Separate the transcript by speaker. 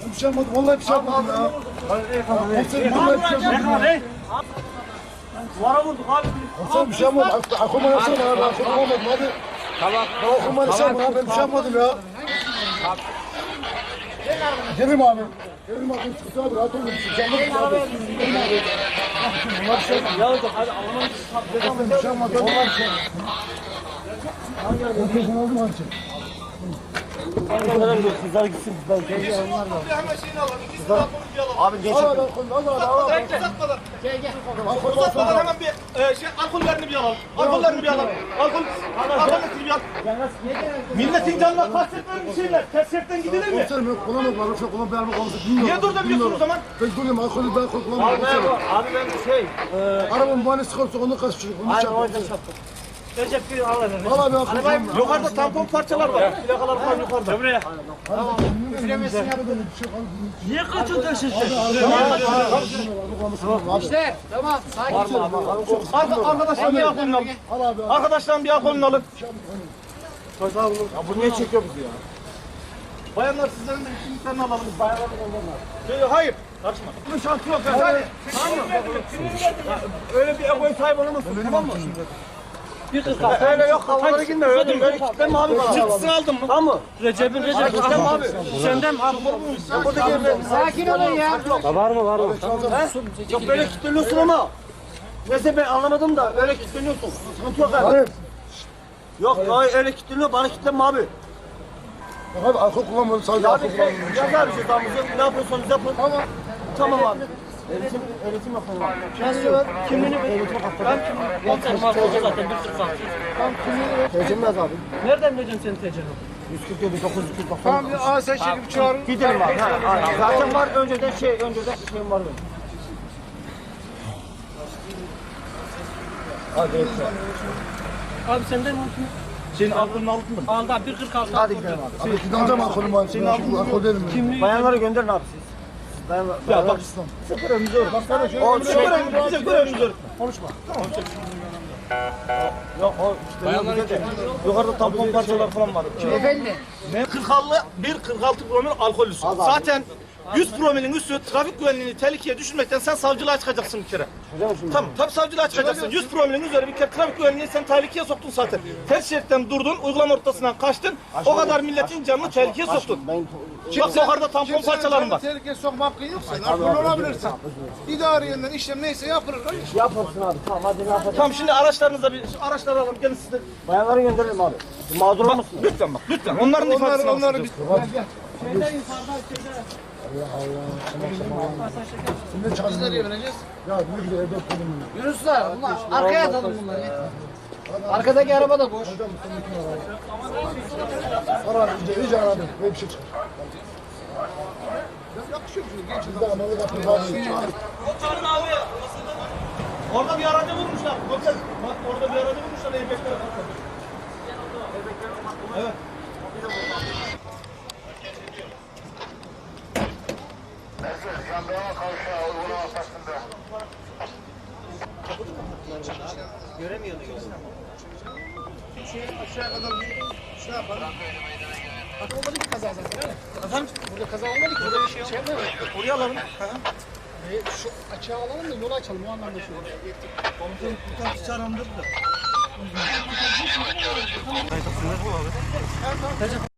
Speaker 1: Bir şey yapmadım. Vallahi bir şey yapmadım ya. Komiserim vallahi bir şey yapmadım.
Speaker 2: Duvara vurduk abi.
Speaker 1: Komiserim bir şey yapmadım. Aklıma yapsana ya. Ben aklıma yapmadım hadi.
Speaker 2: Tamam.
Speaker 1: Ben aklıma yapsana ya. Ben bir şey yapmadım ya. Gelim abi. Gelim abi. Sıkıntı abi. Rahat olun. Sıkıntı abi. Bunlar bir şey yapmadım.
Speaker 2: Ya hocam hadi Alman
Speaker 1: Bir şey yapmadım. Onlar bir şey. Ben telefon aldım abi.
Speaker 2: Kızlar gitsin. Abi geç.
Speaker 1: Al abi.
Speaker 3: Uzatmadan hemen bir alkollerini bir alalım. Alkollerini bir alalım. Alkollerini bir alalım. Milletin canına kastetmeyen bir şeyler. Tersiyetten gidilir mi?
Speaker 1: Komiserim yok. Kullanmak var. Yoksa kullan bir araba konuşup bilmiyorum.
Speaker 3: Niye durdurmuyorsun o zaman?
Speaker 1: Ben durayım. Alkolü ben kullanmıyorum.
Speaker 2: Abi ben
Speaker 1: Arabamın muayenesi çıkarsa onu kaçıracak. Onu
Speaker 2: Aynen
Speaker 1: çarpar.
Speaker 2: orada çarptım. Recep bir al efendim.
Speaker 1: Al abi al.
Speaker 3: Yukarıda tampon parçalar var. Plakalar falan yukarıda.
Speaker 2: Buraya.
Speaker 1: Üflemesin ya.
Speaker 2: Niye kaçırdın siz?
Speaker 4: İşte tamam sakin ol.
Speaker 3: Arkadaşlar bir alkolünü alın. Arkadaşlar bir alkolünü alın.
Speaker 2: Bu niye çekiyor bizi ya?
Speaker 3: Bayanlar sizlerin de kimliklerini alalım. Bayanlar hayır. Karışma. Bunun şansı yok. Hadi. Tamam mı? Öyle bir egoya sahip olamazsın. Tamam mı?
Speaker 2: Bir kız
Speaker 3: Öyle yok. Havalara girme. Öyle kitlenme abi bana. Çıktısını aldın mı?
Speaker 2: Tamam mı? Recep'in
Speaker 3: Kitlenme abi.
Speaker 2: Senden mi abi?
Speaker 3: Burada girme.
Speaker 4: Sakin olun ya.
Speaker 2: Var mı?
Speaker 3: Yok böyle kilitleniyorsun ama. Neyse ben anlamadım da öyle kilitleniyorsun. Sıkıntı yok abi.
Speaker 1: Hayır.
Speaker 3: Yok hayır öyle kilitleniyor. Bana kilitlenme abi.
Speaker 1: Abi alkol kullanmıyorum. Sadece
Speaker 3: Abi
Speaker 1: alkol kullanmıyorum.
Speaker 3: yaz abi cezamızı. Ne yapıyorsanız yapın. Tamam. Tamam abi. Öğretim yapalım abi.
Speaker 4: Nasıl?
Speaker 2: Kimliğini ver. Ben kimliğini markacı zaten 146.
Speaker 3: Tecrübe yaz abi.
Speaker 2: Nereden bileceğim senin tecrübeni?
Speaker 3: 147 990.
Speaker 4: Tamam bir sen çekip çağırın.
Speaker 3: Gidelim abi. Zaten var önceden şeyim var benim. Hadi.
Speaker 2: Abi senden mi?
Speaker 3: Senin aklını aldın mı?
Speaker 2: Aldı abi 146.
Speaker 3: Hadi gidelim abi.
Speaker 1: Abi gideceğim alkolüm var. Senin alkol değilim.
Speaker 2: Kimliği
Speaker 3: Bayanları gönderin abi siz. Ya bak sıfır önümüzü örtme. O sıfır önümüzü örtme. Konuşma. Yok o bayanlar de. Yukarıda tampon parçalar falan var.
Speaker 4: Efendi.
Speaker 3: 46 promil alkollüsün. Zaten 100 promilin üstü trafik güvenliğini tehlikeye düşürmekten sen savcılığa çıkacaksın bir kere. Tamam, tabii savcılığa çıkacaksın. 100 promilin üzeri bir kere trafik güvenliğini sen tehlikeye soktun zaten. Ters şeritten durdun, uygulama ortasından kaçtın. O kadar milletin canını tehlikeye soktun. Bak yukarıda tampon parçalarım var.
Speaker 5: Tehlikeye sokma hakkın yok. Sen alkol olabilirsin. İdari yönden işlem neyse yapılır.
Speaker 3: Yaparsın abi. Tamam hadi ne yapalım. Tamam şimdi araçlarınıza bir araçları alalım. Gelin siz de. Bayanları gönderelim abi. Mağdur olmasın. Lütfen bak. Lütfen. Onların ifadesini
Speaker 5: Onları biz nereye vereceğiz?
Speaker 1: Ya ne güzel evde oturuyorum.
Speaker 4: Yunuslar bunlar arkaya atalım bunları. Arkadaki araba da boş.
Speaker 1: Ara iyice aradım. Böyle bir şey çıkar. Bir de amalı kapı var.
Speaker 3: Çağırın abi. Orada bir aracı vurmuşlar. Komiser, bak orada bir aracı vurmuşlar. Eybeklere bakın. Evet.
Speaker 5: Aşağı kadar şey yapalım. Bak olmadı ki kaza zaten. Efendim? Burada kaza olmadı ki. Burada bir şey yapmayalım.
Speaker 3: Oraya alalım.
Speaker 5: Şu açığa alalım da yolu açalım. O anlamda şey olur.
Speaker 3: Komutanım bir tane çağırandırdı da.